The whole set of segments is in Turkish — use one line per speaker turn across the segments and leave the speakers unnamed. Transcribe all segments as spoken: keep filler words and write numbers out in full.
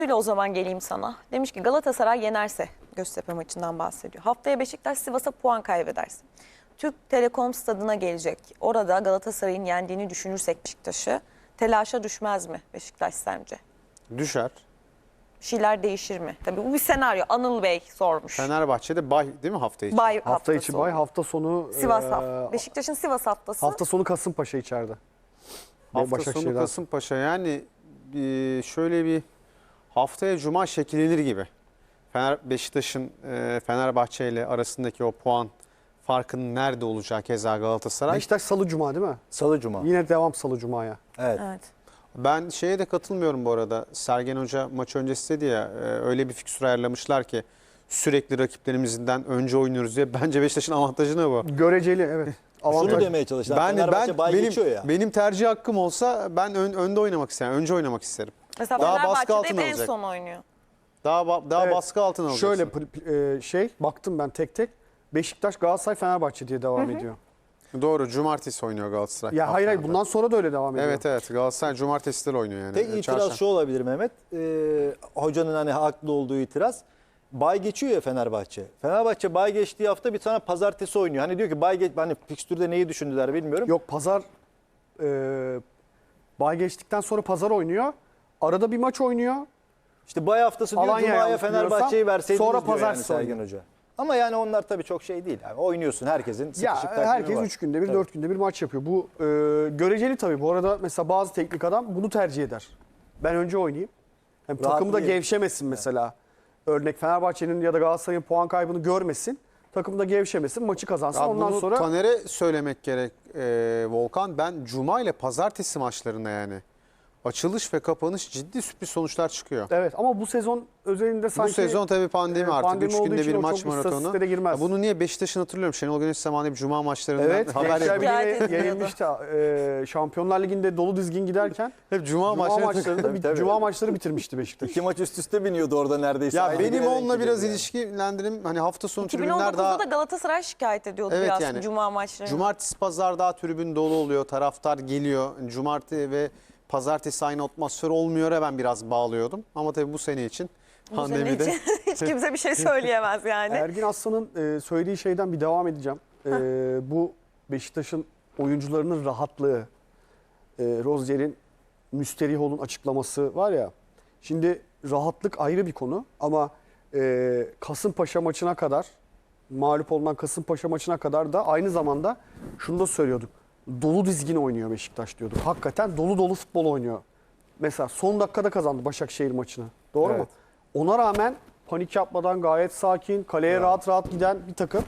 O zaman geleyim sana. Demiş ki Galatasaray yenerse, Göztepe maçından bahsediyor. Haftaya Beşiktaş Sivas'a puan kaybederse, Türk Telekom stadına gelecek. Orada Galatasaray'ın yendiğini düşünürsek Beşiktaş'ı, telaşa düşmez mi Beşiktaş sence?
Düşer.
Bir şeyler değişir mi? Tabii bu bir senaryo. Anıl Bey sormuş.
Fenerbahçe'de bay değil mi hafta içi?
Bay
Hafta
haftası
içi bay,
oluyor.
hafta sonu
Sivas
e,
hafta. Beşiktaş'ın Sivas haftası.
hafta sonu Kasımpaşa içeride.
Hafta
Başakşehir'den.
sonu Kasımpaşa, yani e, şöyle bir haftaya Cuma şekillenir gibi. Fener, Beşiktaş'ın e, Fenerbahçe ile arasındaki o puan farkının nerede olacağı keza Galatasaray.
Beşiktaş Salı Cuma değil mi?
Salı Cuma.
Yine devam Salı Cuma'ya.
Evet.
Evet.
Ben şeye de katılmıyorum bu arada. Sergen Hoca maç öncesi dedi ya, e, öyle bir fikstür ayarlamışlar ki sürekli rakiplerimizden önce oynuyoruz diye. Bence Beşiktaş'ın avantajı ne bu?
Göreceli evet.
Şunu demeye çalıştılar.
Ben,
Fenerbahçe
ben
bay
benim,
geçiyor ya.
benim tercih hakkım olsa ben ön, önde oynamak isterim. Önce oynamak isterim.
Mesela
Daha baskı
Fenerbahçe'de
altına
hep en
alacak.
son oynuyor.
Daha ba- daha
Evet.
baskı altına alacaksın.
Şöyle pr- e, şey baktım ben tek tek. Beşiktaş, Galatasaray, Fenerbahçe diye devam ediyor.
Doğru, cumartesi oynuyor Galatasaray.
Ya hayır hayır bundan sonra da öyle devam ediyor.
Evet evet, Galatasaray cumartesileri oynuyor yani.
Tek
Ee,
itiraz
çarşamba.
şu olabilir Mehmet. Ee, hocanın hani haklı olduğu itiraz. Bay geçiyor ya Fenerbahçe. Fenerbahçe bay geçtiği hafta bir tane pazartesi oynuyor. Hani diyor ki bay geç, hani fikstürde neyi düşündüler bilmiyorum.
Yok pazar e, bay geçtikten sonra pazar oynuyor. Arada bir maç oynuyor.
İşte bay haftası diyor
Alanya
Cuma'ya
yanlış
Fenerbahçe'yi
biliyorsam,
verseydiniz
sonra
diyor
pazartesi
yani Sergen
oynuyor.
Hoca. Ama yani onlar tabii çok şey değil. Yani oynuyorsun, herkesin sıkışık
Ya
takvimi
herkes
var.
üç günde bir,
Tabii.
dört günde bir maç yapıyor. Bu e, göreceli tabii. Bu arada mesela bazı teknik adam bunu tercih eder. Ben önce oynayayım. Hem takım da
Rahatlayayım.
gevşemesin mesela. Örnek Fenerbahçe'nin ya da Galatasaray'ın puan kaybını görmesin. Takım da gevşemesin, maçı kazansın.
Ya
Ondan
bunu
sonra
Taner'e söylemek gerek e, Volkan. Ben Cuma ile Pazartesi maçlarında yani açılış ve kapanış ciddi sürpriz sonuçlar çıkıyor.
evet ama bu sezon özelinde sanki
Bu sezon tabii pandemi
e,
artık.
pandemi
Üç
olduğu
günde
için
bir
o
maç
çok
maratonu.
istatistiklere girmez.
Ya bunu niye Beşiktaş'ın hatırlıyorum. Şenol Güneş zamanında bir Cuma maçlarından
Evet,
haber
Gençler
yapıyor.
Şikayet
Birliği'ne
ediliyordu.
yenilmişti. E, Şampiyonlar Ligi'nde dolu dizgin giderken
Hep Cuma,
Cuma
maçları.
maçlarında
Tabii,
bir-
tabii.
Cuma maçları bitirmişti Beşiktaş.
İki maç üst üste biniyordu orada neredeyse.
Ya
Aynı
benim
güne denk
onunla biraz
geliyordu yani.
ilişkilendirim. Hani hafta sonu tribünler
iki bin on dokuzda
daha...
da Galatasaray şikayet ediyordu
Evet
biraz
yani.
Cuma maçlarını.
Cumartesi, pazar daha tribün dolu oluyor. Taraftar geliyor. Cumartesi ve pazartesi aynı atmosfer olmuyor ya, ben biraz bağlıyordum. Ama tabii bu sene için
Bu sene
pandemide...
için hiç kimse bir şey söyleyemez yani.
Ergin Aslan'ın e, söylediği şeyden bir devam edeceğim. E, bu Beşiktaş'ın oyuncularının rahatlığı, e, Rozier'in Müsterihol'un açıklaması var ya. Şimdi rahatlık ayrı bir konu ama e, Kasımpaşa maçına kadar, mağlup olunan Kasımpaşa maçına kadar da aynı zamanda şunu da söylüyorduk. Dolu dizgin oynuyor Beşiktaş diyorduk. Hakikaten dolu dolu futbol oynuyor. Mesela son dakikada kazandı Başakşehir maçını. Doğru
Evet.
mu? Ona rağmen panik yapmadan gayet sakin, kaleye rahat rahat giden bir takım.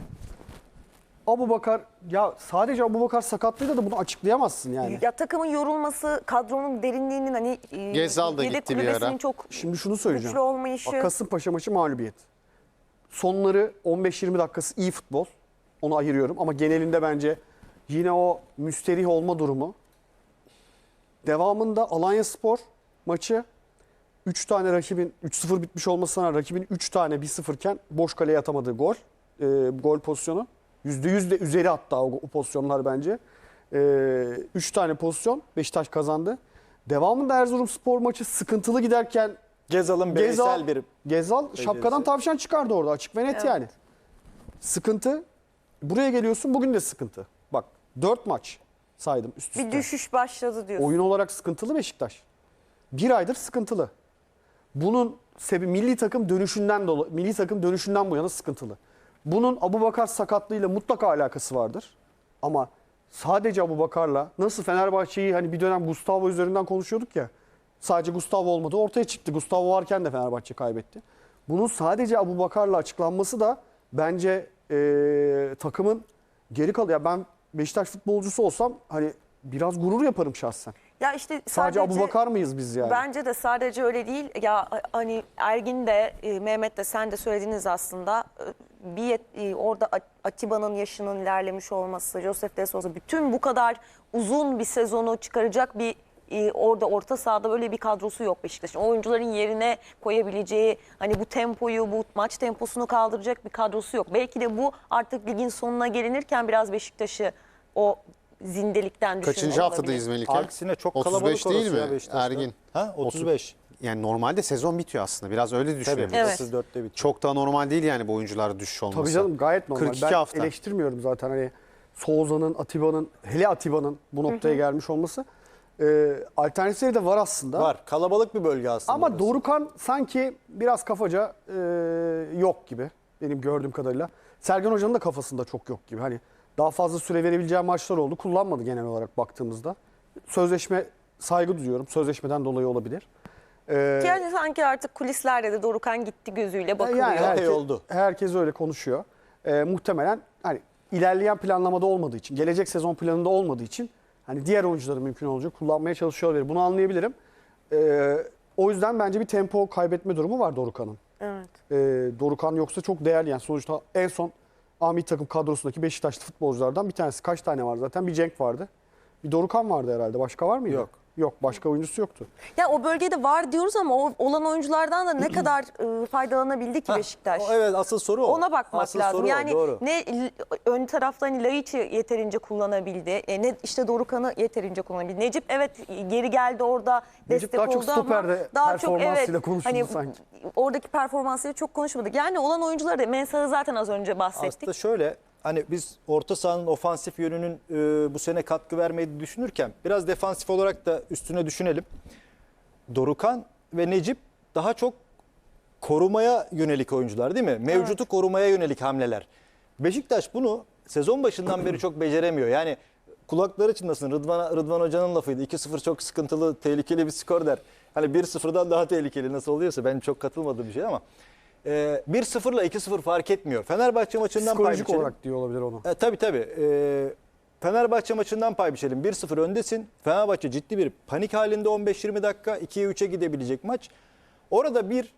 Abubakar, ya sadece Abubakar sakatlığıyla da bunu açıklayamazsın yani.
Ya takımın yorulması, kadronun derinliğinin hani e,
Gezal da
yedek
gitti bir
kulübesinin
ara.
çok
Şimdi şunu söyleyeceğim.
güçlü olmayışı.
Bak, Kasımpaşa maçı mağlubiyet. Sonları on beş yirmi dakikası iyi futbol. Onu ayırıyorum ama genelinde bence yine o müsterih olma durumu. Devamında Alanyaspor maçı üç tane rakibin üç sıfır bitmiş olmasına rağmen rakibin üç tane bir sıfır iken boş kaleye atamadığı gol. E, gol pozisyonu. yüzde yüz de üzeri hatta o, o pozisyonlar bence. üç tane pozisyon Beşiktaş kazandı. Devamında Erzurumspor maçı sıkıntılı giderken
Gezal'ın
Gezal,
bireysel bir
Gezal şapkadan tavşan çıkardı orada, açık ve net
Evet.
yani. Sıkıntı. Buraya geliyorsun, bugün de sıkıntı. Bak dört maç saydım üst üste.
Bir düşüş başladı diyorsun.
Oyun olarak sıkıntılı Beşiktaş. Bir aydır sıkıntılı. Bunun sebebi milli takım dönüşünden dolayı, milli takım dönüşünden bu yana sıkıntılı. Bunun Abubakar sakatlığıyla mutlaka alakası vardır. Ama sadece Abubakar'la nasıl Fenerbahçe'yi hani bir dönem Gustavo üzerinden konuşuyorduk ya. Sadece Gustavo olmadı. Ortaya çıktı. Gustavo varken de Fenerbahçe kaybetti. Bunun sadece Abubakar'la açıklanması da bence ee, takımın geri kalıyor. Ya ben Beşiktaş futbolcusu olsam hani biraz gurur yaparım şahsen.
Ya işte
Sadece,
sadece,
Abubakar mıyız biz yani?
Bence de sadece öyle değil. Ya hani Ergin de e, Mehmet de sen de söylediniz aslında. E, Bir yet- e, orada A- Atiba'nın yaşının ilerlemiş olması, Josef de Souza, bütün bu kadar uzun bir sezonu çıkaracak bir e, orada orta sahada böyle bir kadrosu yok Beşiktaş'ın. Oyuncuların yerine koyabileceği, hani bu tempoyu, bu maç temposunu kaldıracak bir kadrosu yok. Belki de bu artık ligin sonuna gelinirken biraz Beşiktaş'ı o zindelikten düşünüyor
Kaçıncı
olabilir.
haftadayız Melike?
Aksine çok
otuz beş
kalabalık
değil
orası ya
mi
Beşiktaş'ta.
Ergin?
Ha otuz beş.
Yani normalde sezon bitiyor aslında. Biraz öyle
Tabii
düşünelim.
Evet.
otuz dörtte bitiyor.
Çok da normal değil yani bu oyuncularda düşüş olması.
Tabii canım gayet normal.
kırk iki
Ben
hafta.
eleştirmiyorum zaten hani Souza'nın, Atiba'nın, hele Atiba'nın bu noktaya gelmiş olması. Ee, alternatifleri de var aslında.
Var. Kalabalık bir bölge aslında.
Ama
orası.
Dorukhan sanki biraz kafaca e, yok gibi benim gördüğüm kadarıyla. Sergen Hoca'nın da kafasında çok yok gibi. Hani daha fazla süre verebileceği maçlar oldu. Kullanmadı genel olarak baktığımızda. Sözleşme saygı duyuyorum. Sözleşmeden dolayı olabilir. Ee,
Yani sanki artık kulislerde de Dorukhan gitti gözüyle bakılıyor.
yani
Epey
herkes,
oldu.
herkes öyle konuşuyor. Ee, muhtemelen hani ilerleyen planlamada olmadığı için, gelecek sezon planında olmadığı için hani diğer oyuncuların mümkün olunca kullanmaya çalışıyor olabilir. Bunu anlayabilirim. Ee, o yüzden bence bir tempo kaybetme durumu var Dorukhan'ın.
Evet.
Ee, Dorukhan yoksa çok değerli yani sonuçta en son A milli takım kadrosundaki Beşiktaşlı futbolculardan bir tanesi. Kaç tane var zaten? Bir Cenk vardı. Bir Dorukhan vardı herhalde. Başka var mıydı?
Yok.
Yok. Başka oyuncusu yoktu.
Ya o bölgede var diyoruz ama o olan oyunculardan da ne kadar e, faydalanabildi ki
Hah,
Beşiktaş?
o- Evet asıl soru o.
Ona bakmak
Asıl
lazım.
soru o,
Yani
doğru.
ne l- ön tarafta hani Laiç'i yeterince kullanabildi. E, ne işte Dorukhan'ı yeterince kullanabildi. Necip evet geri geldi orada
Necip
destek
daha çok
oldu ama
stoperde
daha çok
performansıyla
evet
konuşuldu
hani
sanki.
oradaki performansıyla çok konuşmadık. Yani olan oyuncuları da Mensah'ı zaten az önce bahsettik.
Aslında şöyle hani biz orta sahanın ofansif yönünün e, bu sene katkı vermeyi düşünürken biraz defansif olarak da üstüne düşünelim. Dorukhan ve Necip daha çok korumaya yönelik oyuncular değil mi? Mevcutu korumaya yönelik hamleler. Beşiktaş bunu sezon başından beri çok beceremiyor. Yani kulakları çınlasın Rıdvan, Rıdvan Hoca'nın lafıydı. iki sıfır çok sıkıntılı, tehlikeli bir skor der. Hani bir sıfırdan daha tehlikeli nasıl oluyorsa ben çok katılmadığım bir şey ama e, bir sıfırla iki sıfır fark etmiyor. Fenerbahçe maçından pay
Psikolojik
biçelim.
olarak diyor olabilir onu.
E, tabii tabii. E, Fenerbahçe maçından pay biçelim. bir sıfır öndesin. Fenerbahçe ciddi bir panik halinde on beş yirmi dakika. ikiye üçe gidebilecek maç. Orada bir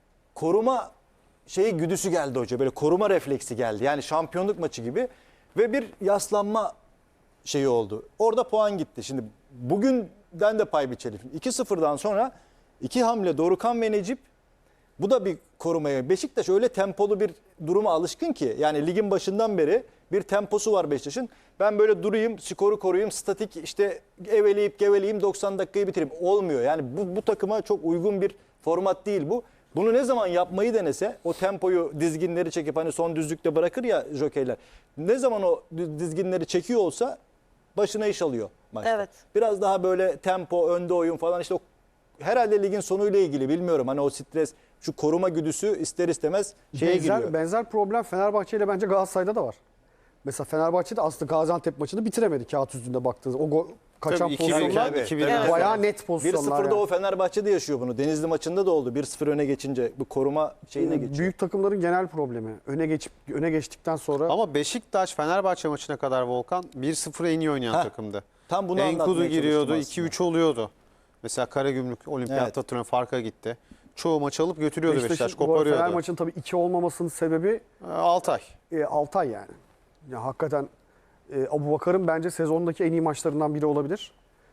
koruma şeyi güdüsü geldi hoca. Böyle koruma refleksi geldi. Yani şampiyonluk maçı gibi. Ve bir yaslanma şeyi oldu. Orada puan gitti. Şimdi bugünden de pay biçelim. iki sıfırdan sonra iki hamle Dorukhan ve Necip. Bu da bir korumaya. Beşiktaş öyle tempolu bir duruma alışkın ki. Yani ligin başından beri bir temposu var Beşiktaş'ın. Ben böyle durayım, skoru koruyayım, statik işte eveleyip geveleyeyim doksan dakikayı bitireyim. Olmuyor. Yani bu, bu takıma çok uygun bir format değil bu. Bunu ne zaman yapmayı denese o tempoyu dizginleri çekip hani son düzlükte bırakır ya jokeyler. Ne zaman o dizginleri çekiyor olsa başına iş alıyor maçta.
Evet.
Biraz daha böyle tempo, önde oyun falan işte o herhalde ligin sonuyla ilgili bilmiyorum. Hani o stres, şu koruma güdüsü ister istemez şeye
benzer,
giriyor.
benzer problem Fenerbahçe ile bence Galatasaray'da da var. Mesela Fenerbahçe'de aslında Gaziantep maçını bitiremedi kağıt üstünde baktığınız. O go- kaçan
Tabii, iki bir,
pozisyonlar
tabii.
iki bir
Evet.
bayağı net
bir
pozisyonlar.
sıfırda
yani.
o Fenerbahçe'de yaşıyor bunu. Denizli maçında da oldu. bir sıfır öne geçince bu koruma şeyine geçiyor.
Büyük takımların genel problemi. Öne geçip öne geçtikten sonra
Ama Beşiktaş Fenerbahçe maçına kadar Volkan bir sıfır en iyi oynayan
Heh,
takımdı.
tam bunu
Enkudu
anlatmaya
giriyordu,
çalıştım
iki üç oluyordu. Mesela Karagümrük Olimpiyatta
Evet.
farka gitti. Çoğu maç alıp götürüyordu Beşiktaş,
Beşiktaş'ın bu arada Fener
koparıyordu.
maçının tabii iki olmamasının sebebi
Altay.
e, Altay yani. Ya hakikaten e, Abubakar'ın bence sezondaki en iyi maçlarından biri olabilir.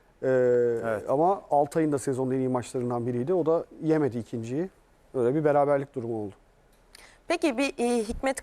E, Ama Altay'ın da sezonun en iyi maçlarından biriydi. O da yemedi ikinciyi. Öyle bir beraberlik durumu oldu.
Peki bir e, Hikmet